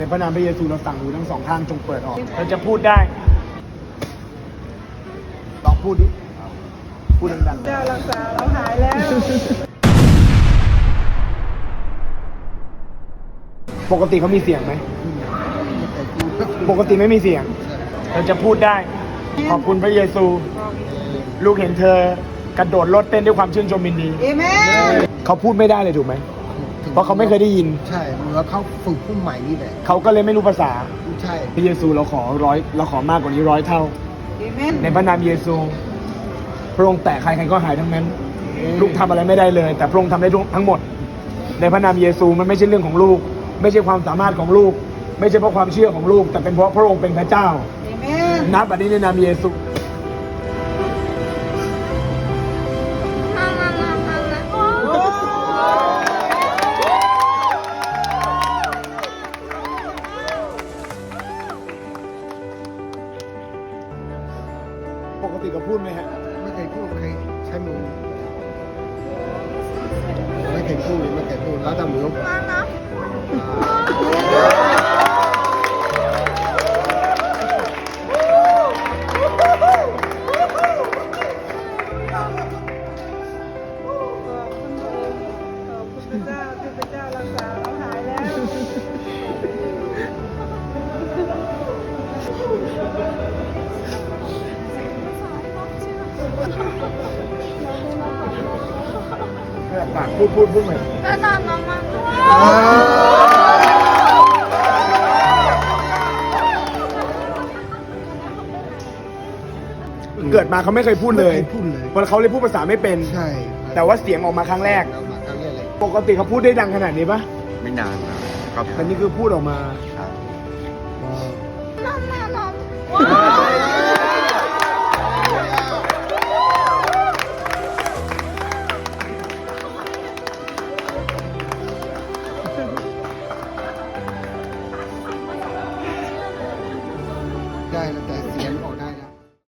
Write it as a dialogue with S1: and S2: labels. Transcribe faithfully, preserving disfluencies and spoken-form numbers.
S1: ในพระนามพระเยซูเราสั่งหูทั้งสองข้างจงเปิดออกเราจะพูดได้ลองพูดดิพูดดังๆ
S2: เจ้ารักษาเราหายแล้ว
S1: ปกติเขามีเสียงไหมปกติไม่มีเสียงเราจะพูดได้ขอบคุณพระเยซู ลูกเห็นเธอกระโดดรถเต้นด้วยความชื่นชมยินดี
S2: เอเมน
S1: เขาพูดไม่ได้เลยถูกไหมเพราะเขาไม่เคยได้ยิน
S3: ใช่เหมือนเขาฝึกผู้ใหม่นี่แหละ
S1: เขาก็เลยไม่รู้ภาษา
S3: ใช่
S1: พระเยซูเราขอร้อยเราขอมากกว่านี้ร้อยเท่า
S2: เอเมน
S1: ในพระนามเยซูพระองค์แตะใครใครก็หายทั้งนั้น ลูกทำอะไรไม่ได้เลย แต่พระองค์ทำได้ทั้งหมด ในพระนามเยซูมันไม่ใช่เรื่องของลูก ไม่ใช่ความสามารถของลูก ไม่ใช่เพราะความเชื่อของลูก แต่เป็นเพราะพระองค์เป็นพระเจ้า
S2: เอเมน
S1: นับอันนี้ในนามเยซูปกติก็พูดไหมฮะ
S3: ไม่เคยพูดไม่เคยใช้มือไม่เคยพูดไม่เคยพูดแล้วแต่มือ
S2: ขอบคุณพระเจ้าที่พระเจ้ารักษาเราหายแล้ว
S1: ปากพูดพูดพูดใหม่เกิดมาเขาไม่เคยพูดเลย
S3: ไม่คพูดเลย
S1: เพราะเขาเลยพูดภาษาไม่เป็น
S3: ใช่
S1: แต่ว่าเสียงออกมาครั้งแรก
S3: เรามาครั้งแรกเลย
S1: ปกติเขาพูดได้ดังขนาดนี้ปะ
S4: ไม่นานครับ
S1: แต่นี่คือพูดออกมา
S4: ครับ
S3: ได้แล้ว